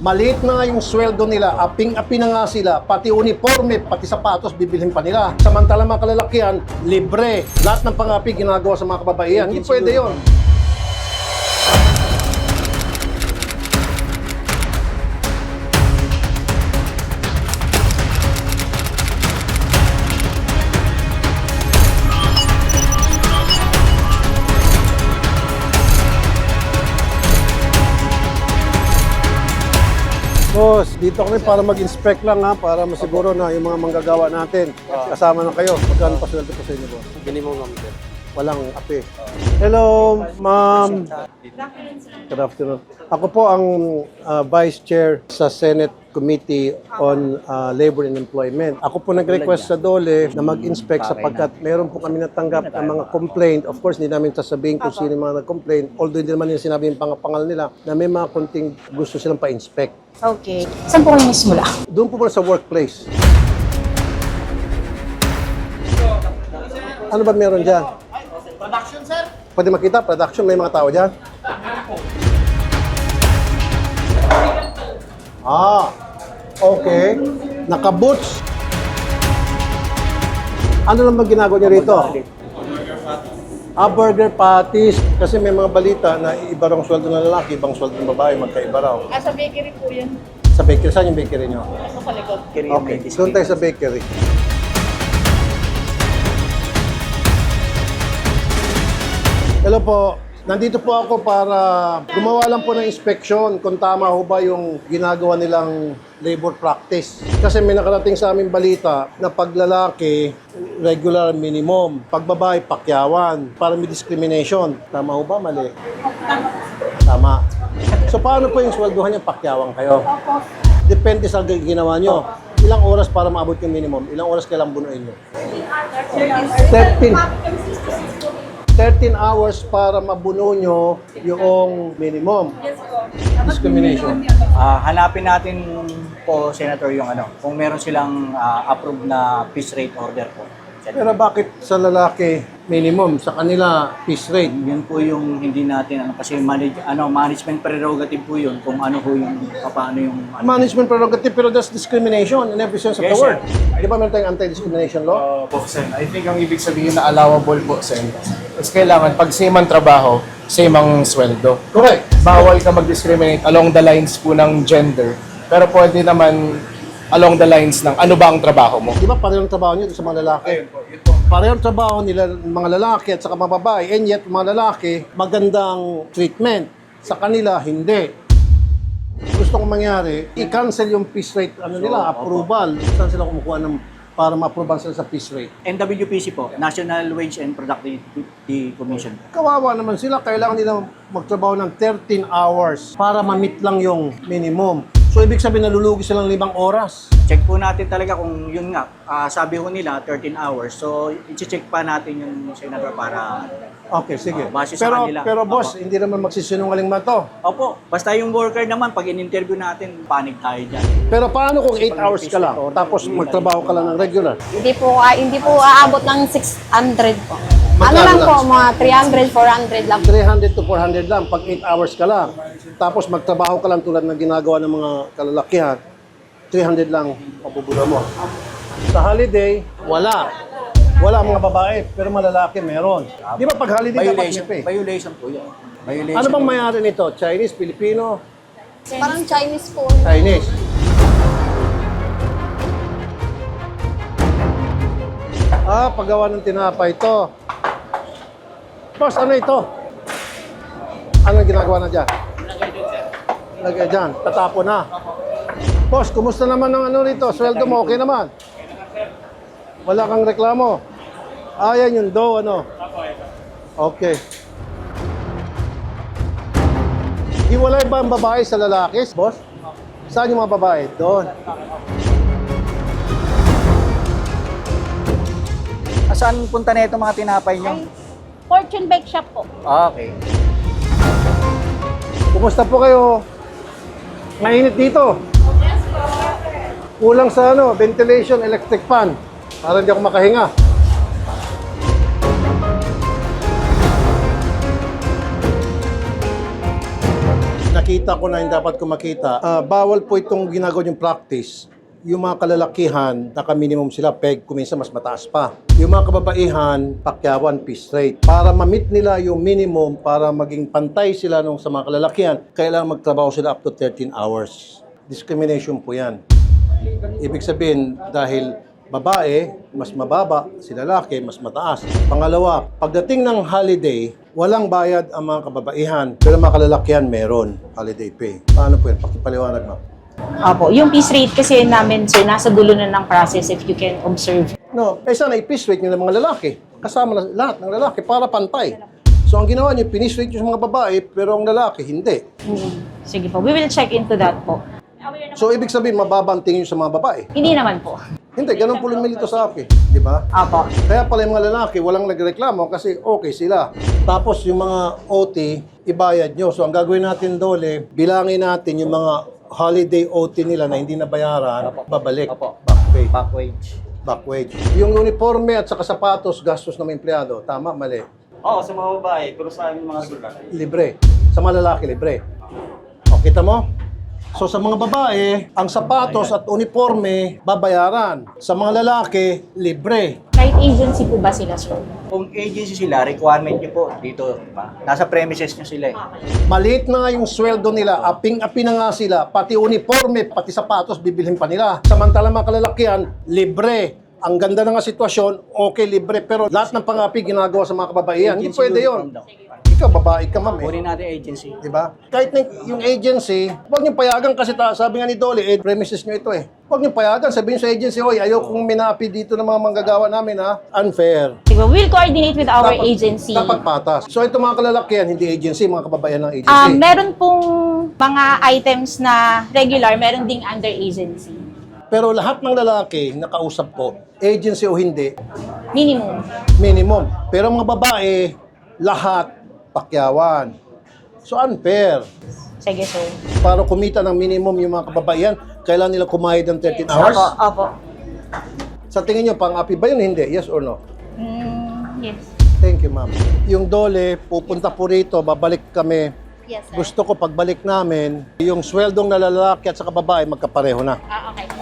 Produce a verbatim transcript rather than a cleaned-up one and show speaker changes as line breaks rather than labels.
Maliit na nga yung sweldo nila, aping-api na nga sila, pati uniforme, pati sapatos, bibilhin pa nila. Samantala mga kalalakihan, libre. Lahat ng pang-api ginagawa sa mga kababaihan. Hindi pwede yun. Boss, dito kami para mag-inspect lang ha, para masiguro na yung mga manggagawa natin. Kasama na kayo. Magkano pa sweldo po sa inyo, boss?
Minimum lang sir.
Walang api. Hello, ma'am. Good afternoon. Ako po ang uh, Vice Chair sa Senate Committee on uh, Labor and Employment. Ako po nag-request sa DOLE na mag-inspect sapagkat meron po kami natanggap ng mga complaint. Of course, hindi namin sasabihin kung sino yung mga nag-complaint. Although hindi naman yung sinabi yung pangapangal nila na may mga konting gusto silang pa-inspect.
Okay. Saan po kayo mismula?
Doon po muna sa workplace. Ano ba meron dyan?
Production sir?
Pwede makita, production, may mga tao dyan? Ah, okay. Naka-boots. Ano lang ba ginagawa niyo rito? Ah, burger patties. Kasi may mga balita na iba raw ang sweldo ng lalaki, ibang sweldo ng babae, magkaiba raw.
Ah, sa bakery po yan.
Sa bakery, saan yung bakery niyo?
Nasa sa likod.
Okay, doon tayo sa bakery. Hello po. Nandito po ako para gumawa lang po ng inspection kung tama ho ba yung ginagawa nilang labor practice. Kasi may nakarating sa aming balita na pag lalaki, regular minimum. Pag babae, pakyawan. Para may discrimination. Tama ho ba? Mali? Tama. So paano po yung sweldohan niya pakyawan kayo? Depende sa ginawa nyo. Ilang oras para maabot yung minimum? Ilang oras kailang bunuin nyo? thirteen. thirteen hours para mabuno nyo yung minimum. Discrimination.
Ah, hanapin natin po, Senator, yung ano, kung meron silang ah, approved na piece rate order po.
Pero bakit sa lalaki minimum, sa kanila piece rate?
Yun po yung hindi natin, ano, kasi manage, ano, management prerogative po yun, kung ano po yung, paano yung, ano.
Management prerogative, pero that's discrimination in every sense of the
Yes,
word.
sir.
Di ba meron tayong anti-discrimination law?
Uh, po, Sen. I think ang ibig sabihin na allowable po, Sen, is kailangan pag same ang trabaho, same ang sweldo.
Correct.
Bawal ka mag-discriminate along the lines po ng gender, pero pwede naman along the lines ng ano ba ang trabaho mo.
Di ba parehong trabaho nyo sa mga lalaki?
Ayun po, yun po.
Parehong trabaho nila mga lalaki at saka mga babae, and yet mga lalaki, magandang treatment. Sa kanila, hindi. Gusto kong mangyari, i-cancel yung piece rate, ano nila, approval. Saan sila kumukuha ng para ma-approval sila sa piece rate?
N W P C po, National Wage and Productivity Commission.
Kawawa naman sila, kailangan nila magtrabaho ng thirteen hours para ma-meet lang yung minimum. So, ibig sabihin, nalulugi silang limang oras.
Check po natin talaga kung yun nga, ah, sabi ko nila thirteen hours. So, i-check pa natin yung Senator para,
Okay, sige.
Ah, base sa
pero,
kanila.
pero boss,
Opo.
hindi naman magsisinungaling man to.
opo, basta yung worker naman, pag in-interview natin, panig tayo dyan.
Pero paano kung eight hours ka lang, tapos magtrabaho ka lang ng regular?
Hindi po, ah, hindi po aabot ng six hundred po. Ano
Magkano
lang
lang?
po, mga three hundred, four hundred lang.
three hundred to four hundred lang pag eight hours ka lang. Tapos magtrabaho ka lang tulad ng ginagawa ng mga kalalakihan, three hundred lang mabubura mo. Sa holiday, wala. Wala mga babae, pero malalaki meron. Di ba pag holiday dapat
Violation,
may pay?
violation po yun. Violation.
Ano bang mayari nito? Chinese, Filipino,
Parang Chinese po.
Chinese? Ah, paggawa ng tinapay ito. Boss, ano ito? Ano ginagawa na dyan? Lagay dyan, tatapo na. Boss, kumusta naman ang ano rito? Sweldo mo, okay naman? Wala kang reklamo? Ah, yan yung dough, ano? Okay. Hiwalay ba ang babae sa lalaki, boss? Saan yung mga babae? Doon.
Ah, saan punta na ito mga tinapay nyo?
Fortune Bake Shop po.
Ah, okay.
Kumusta po kayo? Mainit dito. Kulang sa ano, ventilation, electric fan. Para hindi ako makahinga. nakita ko na hindi dapat ko makita. Ah, bawal po itong ginagawa yung practice. Yung mga kalalakihan, naka-minimum sila, peg, kuminsan mas mataas pa. Yung mga kababaihan, pakyawan, piece rate. Para ma-meet nila yung minimum, para maging pantay sila nung sa mga kalalakihan, kailangan magtrabaho sila up to thirteen hours. Discrimination po yan. Ibig sabihin, dahil babae, mas mababa, si lalaki, mas mataas. Pangalawa, pagdating ng holiday, walang bayad ang mga kababaihan, pero mga kalalakihan meron holiday pay. Paano po yan? Pakipaliwanag mo.
Opo, yung piece rate kasi namin, sir, nasa dulo na ng process if you can observe.
No, eh sana i-piece rate nyo ng mga lalaki. Kasama na lahat ng lalaki para pantay. So ang ginawa nyo, piece rate nyo sa mga babae, pero ang lalaki, hindi.
Mm. Sige po, we will check into that po.
So ibig sabihin, mababanting nyo sa mga babae.
Hindi naman po.
Hindi, ganun po lumilito sa akin. Di ba?
Opo.
Kaya pala yung mga lalaki, walang nagreklamo kasi okay sila. Tapos yung mga O T, ibayad nyo. So ang gagawin natin dole, bilangin natin yung mga holiday O T nila na hindi nabayaran, babalik.
Opo.
Back pay.
Back wage.
Back wage. Yung uniforme at saka sapatos, gastos ng mga empleyado. Tama, mali.
Oo, sa mga babae, pero sa amin mga sulat.
Libre. Sa mga lalaki, libre. O, kita mo? So sa mga babae, ang sapatos at uniforme, babayaran. Sa mga lalaki, libre.
Kahit agency po ba sila, sir?
Kung agency sila, requirement nyo po dito, di ba? Nasa premises nyo sila eh.
Maliit na nga yung sweldo nila, aping-api na nga sila, pati uniforme, pati sapatos, bibilhin pa nila. Samantala mga kalalakihan, libre. Ang ganda na nga sitwasyon, okay, libre. Pero lahat ng pangapi ginagawa sa mga kababaihan, hindi
Agency
pwede
uniform
yun.
daw.
Ikaw, babae ka, ma'am. Eh.
Kunin natin agency.
Di ba? Kahit na yung agency, huwag niyong payagan kasi ta, sabi nga ni Dolly, eh, premises niyo ito eh. Huwag niyong payagan, sabihin sa agency, oy, ayaw kong minapi dito ng mga manggagawa namin ha. Unfair.
Sige, we'll coordinate with our agency.
Dapat patas. So ito mga kalalakihan, hindi agency, mga kababayan ng agency.
Um, meron pong mga items na regular, meron ding under agency.
Pero lahat ng lalaki, nakausap ko, agency o hindi,
Minimum.
minimum. Pero mga babae, lahat pakyawan. So unfair.
Sige, sir.
Para kumita ng minimum yung mga kababaihan, kailangan nila kumayad ng thirteen hours.
Opo, opo.
Sa tingin nyo, pang-api ba yun? Hindi. Yes or no?
Mm, yes.
Thank you, ma'am. Yung Dole, pupunta po rito, babalik kami.
Yes, sir.
Gusto ko pagbalik namin, yung sweldong na lalaki at sa babae magkapareho na.
Ah, okay.